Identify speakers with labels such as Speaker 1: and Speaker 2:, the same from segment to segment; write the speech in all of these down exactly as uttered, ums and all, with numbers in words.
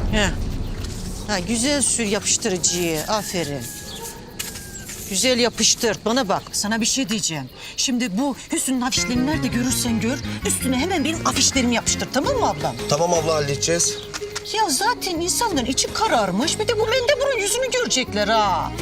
Speaker 1: Heh. Ha, güzel sür yapıştırıcıyı. Aferin. Güzel yapıştır. Bana bak. Sana bir şey diyeceğim. Şimdi bu Hüsnü'nün afişlerini nerede görürsen gör, üstüne hemen benim afişlerimi yapıştır. Tamam mı ablam?
Speaker 2: Tamam abla, halledeceğiz.
Speaker 1: Ya zaten insanların içi kararmış. Bir de bu mendeburun yüzünü görecekler ha.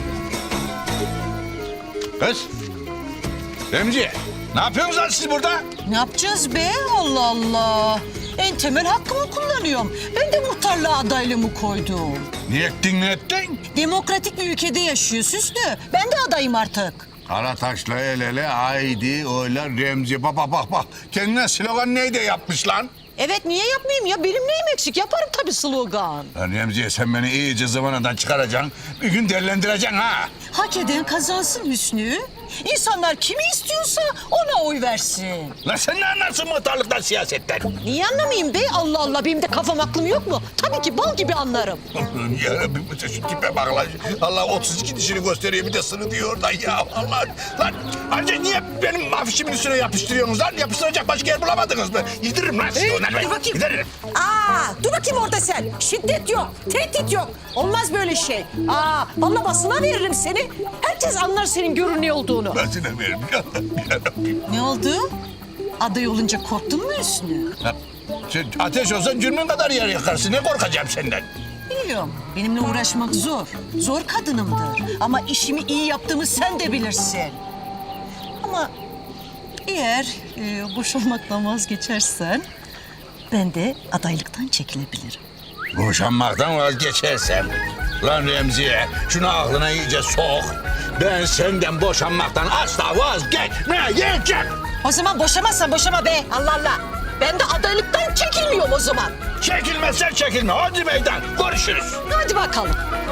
Speaker 3: Kız. Remzi, ne yapıyorsunuz lan siz burada?
Speaker 1: Ne yapacağız be? Allah Allah. En temel hakkımı kullanıyorum. Ben de muhtarlığa adaylığımı koydum.
Speaker 3: Niye ettin ne ettin?
Speaker 1: Demokratik bir ülkede yaşıyor Süslü. Ben de adayım artık.
Speaker 3: Karataş'la el ele haydi oyla Remzi. Bak bak bak bak. Kendine slogan neydi yapmış lan?
Speaker 1: Evet, niye yapmayayım ya? Benim neyim eksik? Yaparım tabii slogan.
Speaker 3: Lan Remzi'ye sen beni iyice zıvanadan çıkaracaksın. Bir gün değerlendireceksin ha.
Speaker 1: Hak eden kazansın Hüsnü. İnsanlar kimi istiyorsa ona oy versin.
Speaker 3: Lan sen ne anlarsın muhtarlıktan, siyasetten?
Speaker 1: Niye anlamayayım be? Allah Allah, benim de kafam aklım yok mu? Tabii ki bal gibi anlarım.
Speaker 3: Yarabbim, şu tipe bak lan. Allah otuz iki dişini gösteriyor, bir de sını diyor oradan ya. Allah. Lan anca niye benim afişimin üstüne yapıştırıyorsunuz lan? Yapıştıracak başka yer bulamadınız mı? Yediririm lan sizi
Speaker 1: Hey,
Speaker 3: onları.
Speaker 1: dur bakayım.
Speaker 3: Yediririm.
Speaker 1: Aa, dur bakayım orada sen. Şiddet yok, tehdit yok. Olmaz böyle şey. Aa, vallahi basına veririm seni. Herkes anlar senin görünüyor olduğunu.
Speaker 3: Ben sana veririm. Yarabbim.
Speaker 1: Ne oldu? Aday olunca korktun mu Hüsnü?
Speaker 3: Ha, sen ateş olsan cürmün kadar yer yakarsın. Ne korkacağım senden?
Speaker 1: Biliyorum. Benimle uğraşmak zor. Zor kadınımdır. Ama işimi iyi yaptığımı sen de bilirsin. Ama eğer e, boşanmaktan vazgeçersen ben de adaylıktan çekilebilirim.
Speaker 3: Boşanmaktan vazgeçersem. Lan Remziye, şunu aklına iyice sok. Ben senden boşanmaktan asla vazgeçmeyeceğim.
Speaker 1: O zaman boşamazsan boşama be. Allah Allah. Ben de adaylıktan çekilmiyorum o zaman.
Speaker 3: Çekilmezsen çekilme. Hadi meydan. Görüşürüz.
Speaker 1: Hadi bakalım.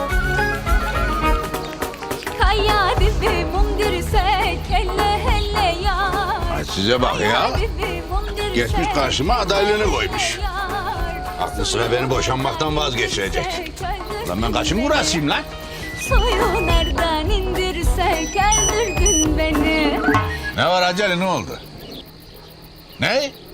Speaker 4: Kaya dibi mundirsek elle elle yar.
Speaker 3: Ay size bak ya. Geçmiş karşıma adaylığını koymuş. Aklı sıra beni boşanmaktan vazgeçirecek. Lan ben kaçın burasıyım lan?
Speaker 4: Suyu nereden indirsek öldürdün beni.
Speaker 3: Ne var acele, ne oldu? Ne?